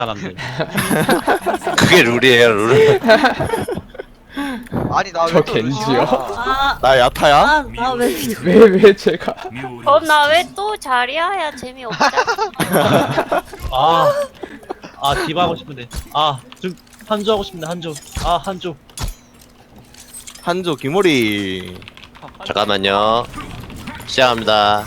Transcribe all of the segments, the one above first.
사람들. 그게 룰이에요, 룰. 아니 나 저 왜 또 겐지요? 아, 나 야타야? 나 왜? 왜 제가 나 왜 또 자리야야 재미없잖아. 디바 하고 싶은데. 좀 한조 하고 싶은데 한조. 한조. 한조 기모리. 잠깐만요. 시작합니다.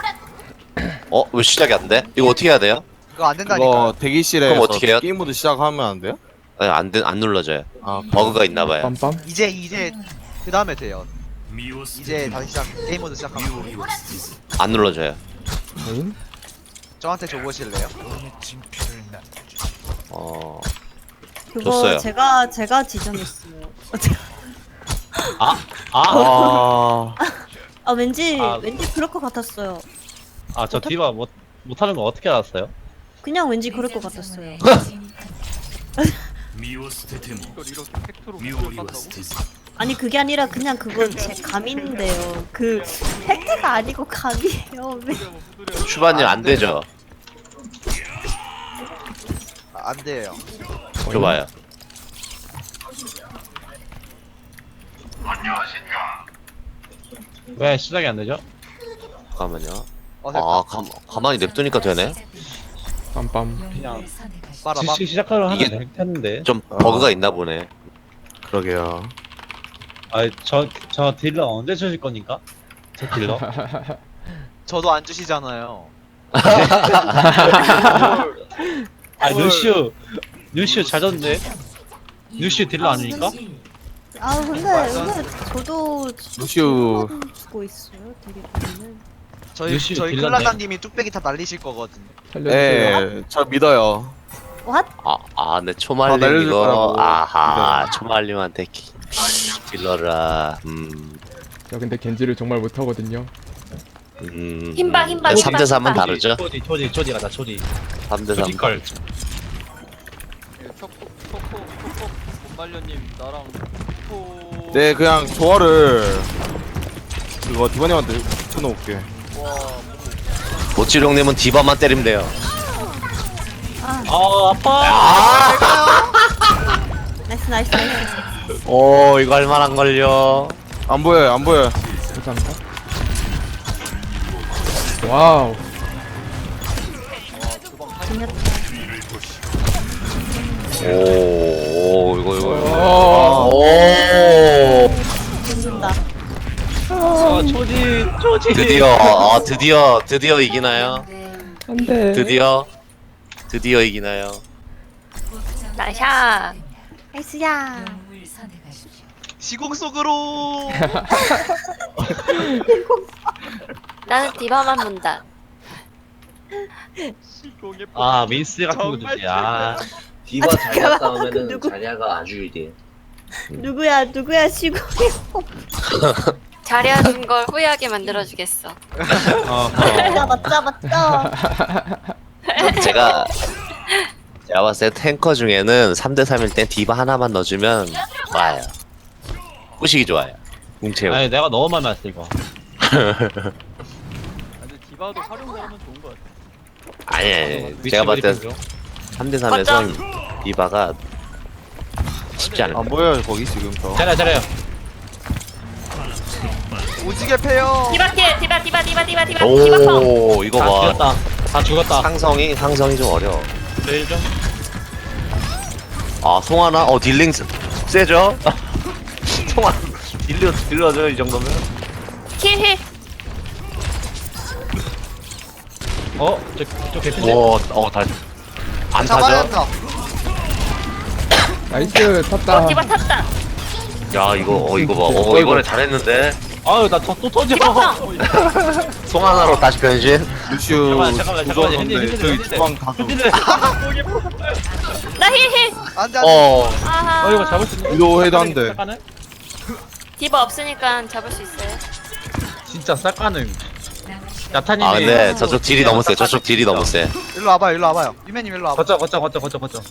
왜 시작이 안 돼? 이거 어떻게 해야 돼요? 그거 안 된다니까. 그거 대기실에 그럼 어떻게 해요? 게임 모드 시작하면 안 돼요? 아니, 안 눌러져요. 아, 버그가 있나봐요. 빰빰 이제 그 다음에 돼요. 이제 다시 게임 모드 시작하면 안 눌러져요. 인 저한테 줘보실래요? 그거 줬어요. 제가 지정했어요. 아, 왠지 아. 왠지 그럴 것 같았어요. 저 디바 못하는 거 어떻게 알았어요? 그냥 왠지 그럴 것 같았어요. 아니 그게 아니라 그냥 그건 제 감인데요. 그 팩트가 아니고 감이에요. 왜? 슈바님 안 되죠? 안 돼요. 줘봐요. 왜 시작이 안 되죠? 잠깐만요. 됐다. 가만히 냅두니까 되네? 빰빰 그냥 빨아봐. 시작하려 이게- 하면 했는데. 좀 버그가 있나 보네. 그러게요. 저 딜러 언제 주실 거니까? 저 딜러? 저도 안 주시잖아요. 루시우 잘 졌는데? 루시우 딜러 아니니까? 근데 저도 루시우. 주고 있어요. 되게 보면은. 저희 루시우 딜러네. 클라장님이 뚝배기 다 날리실 거거든요. 살려주세요 예, 저 믿어요. What? 네, 초말림 날려줄 이거. 거라고. 아하, 초말림한테 딜러라. 저 근데 겐지를 정말 못하거든요 힘박, 3대 3은 힘박. 다르죠? 초디 가자, 초디. 3대 3. 초디걸. 네, 그냥 조화를 그거 디바님한테 쳐놓을게. 모찌룡님은 디바만 때리면 돼요. 아파! 나이스. 이거 할만한 걸요. 안 보여요, 안 보여요. 감사합니다 와우 이거. 죽는다. 초디. 드디어 이기나요? 안돼 드디어 이기나요? 나샤. 나이스야. 시공 속으로. 나는 디바만 본다. 민스 같은 거 주지. 디바 자리야 잠깐만. 싸우면은 누구? 자리야가 아주 유리해. 누구야 시고. 자리야 준 걸 후회하게 만들어주겠어. 맞다. 제가 봤을 때 탱커 중에는 3대 3일 땐 디바 하나만 넣어주면 좋아요. 꾸시기 좋아요. 뭉채요. 아니, 내가 너무 많이 맞았어, 이거. 아니. 제가 봤을 때 3대 3에서 디바가 쉽지 않을 안 거예요. 보여요, 거기 지금 저. 잘해요. 오지게 패요. 디바. 오, 이거 봐. 다 죽었다. 상성이 좀 어려워. 제일 좀. 송하나? 딜링 세죠? 송하나 딜러죠, 이 정도면? 힐. 저 개핀데? 안 잡아야 타죠? 한다. 나이스 탔다 디바 탔다. 야, 이거 봐. 이번에 잘했는데? 또 터져. 송하나로 다시 변신? 루시우 잠깐만. 조졌는데 핸들. 저희 주방 다 좀. 나 힐. 안돼. 아하. 이거 잡을 수 있는 위도 해도 안 돼. 싹가능? 디바 없으니까 잡을 수 있어요. 진짜 싹가능. 야타님이. 근데 저쪽 딜이 너무 세. 저쪽 딜이 너무 세. 일로 와봐요. 유매님 일로 와봐. 거쳐.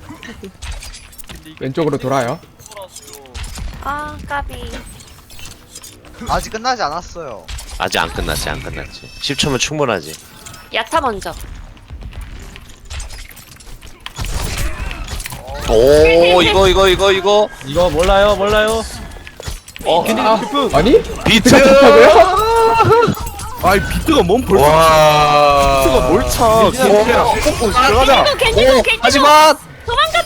왼쪽으로 돌아요 까비. 아직 끝나지 않았어요. 아직 안 끝났지. 10초면 충분하지. 야타 먼저. 오 이거 이거 몰라요. 아니? 비트 아이 비트가 뭔 벌써 와 비트가 뭘 차? 들어가자. 겐지도 하지만 도망가.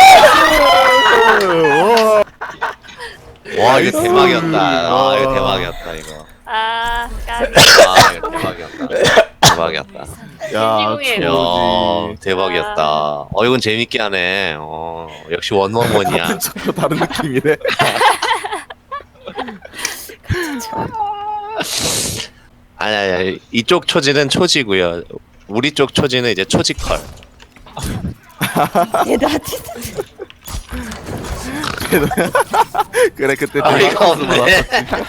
와 이거 대박이었다. 아 이거 대박이었다 이거. 아, 까비. 아 이거 대박이었다. 야 겐지공예. 야 초지. 대박이었다. 이건 재밌게 하네. 역시 원원원이야. 또 다른 느낌이네. 아니 이쪽 초지는 초지고요. 우리 쪽 초지는 이제 초지컬. 얘들아 진짜 그래 그때 어이가 없네.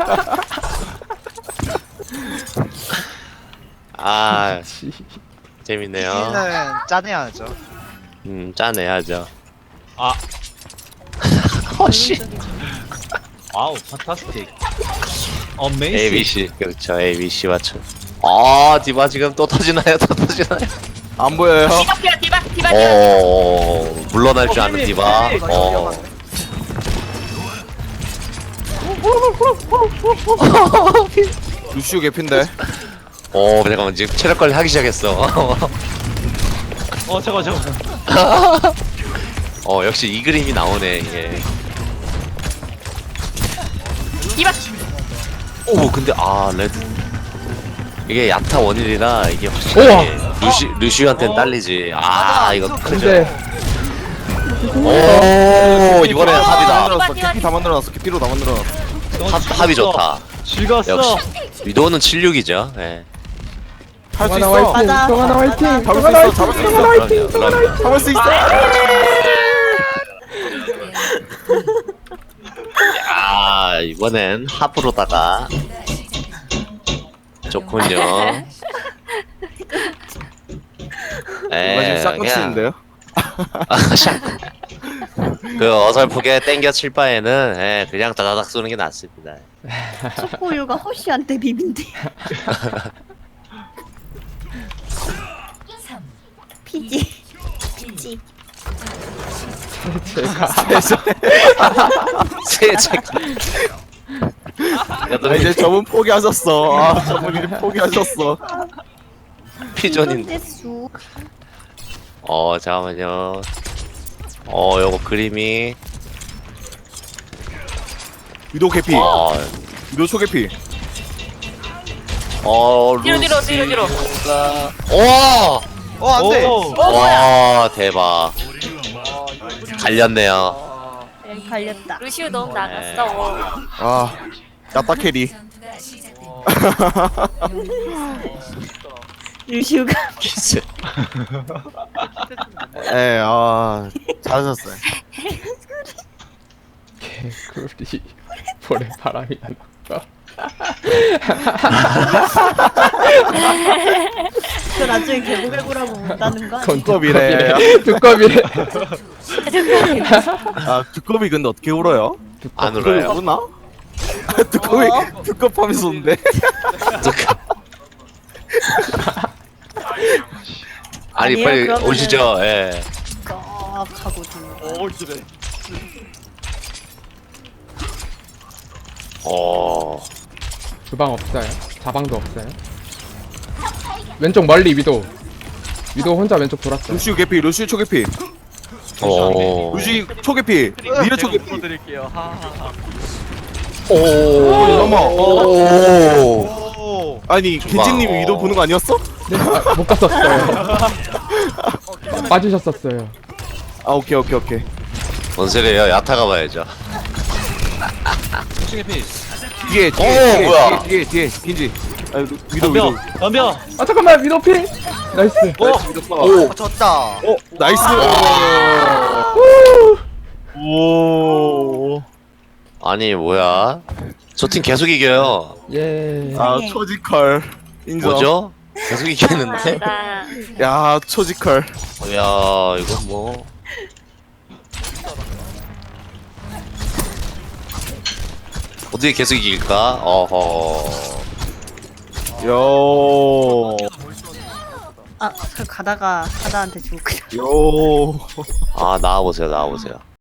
아 재밌네요. 는 짜내야죠. 짜내야죠. 아 허씨. 와우 판타스틱. 어메이징. ABC 그렇죠. ABC 맞죠. 아 디바 지금 또 터지나요? 안 보여요. 디바. 물러날 줄 아는 디바. 루시오 개핀데. 잠깐만 지금 체력 관리 하기 시작했어. 잠깐. 역시 이 그림이 나오네 이게. 디바. 오 근데 레드 이게 야타 원일이라 이게 우와. 확실히 루시한테는 딸리지. 이거 크죠. 근데 오 이번엔 합이다. 만들어놨어. 개피 다 만들어놨어. 개피로 다 만들어놨어. 합이 좋다. 즐겼어. 역시 위도우는 76이죠. 예. 할 수 동아나 있어. 화이팅! 맞아. 동아나 화이팅! 잡을 수 동아나 있어. 화이팅! 잡을 수 동아나 있어. 화이팅! 그럼요. 잡을 수 있어. 이번엔 합으로다가 좋군요. 이거 지금 샷컷인데요. 그 어설프게 땡겨 칠 바에는 그냥 다다닥 쏘는 게 낫습니다. 초코우유가 허쉬한테 비빈대. 피지. 세책. 이제 저분 포기하셨어. 저분 이제 포기하셨어. 피존인데. 수. 잠깐만요. 요거 그림이. 위도 개피. 위도 초개피. 뒤로. 안돼. 와 대박. 갈렸네요. 갈렸다. 루시우 너무 나갔어. 야타 캐리. 유시우가 키스. 잘하셨어요. 개구리 볼에 바람이 난다. 저 나중에 개구개구라고 못하는 거 아니야? 두꺼비래. 두꺼비래. 두꺼비 근데 어떻게 울어요? 안 울어요. 우나? 두꺼비 두껍하면서 웃는데. 아니 아니에요, 빨리 그러면은- 오시죠. 예. 꺽 하고 들고. 주방 없어요. 자방도 없어요. 왼쪽 멀리 위도. 위도 혼자 왼쪽 돌았어요. 루시우 개피. 루시우 초개피. 오. 루시 초개피. 니르 초개피. 넘어. 오. 아니 겐지님이 위도 보는 거 아니었어? 네, 못 갔었어요. 빠지셨었어요. 오케이. 뭔 소리예요? 야타가 봐야죠. 뒤에 뭐야? 뒤에 겐지. 위도 덤벼. 아 잠깐만 위도 피. 나이스. 졌다. 나이스. 오. 아니 뭐야? 저 팀 계속 이겨요. 예. 초지컬 인정. 뭐죠? 계속 이기는데? 야 초지컬. 야 이거 뭐? 어떻게 계속 이길까? 어허. 요. 아, 저 가다가 하다한테 죽고 그냥. 요. 아 나와보세요 나와보세요.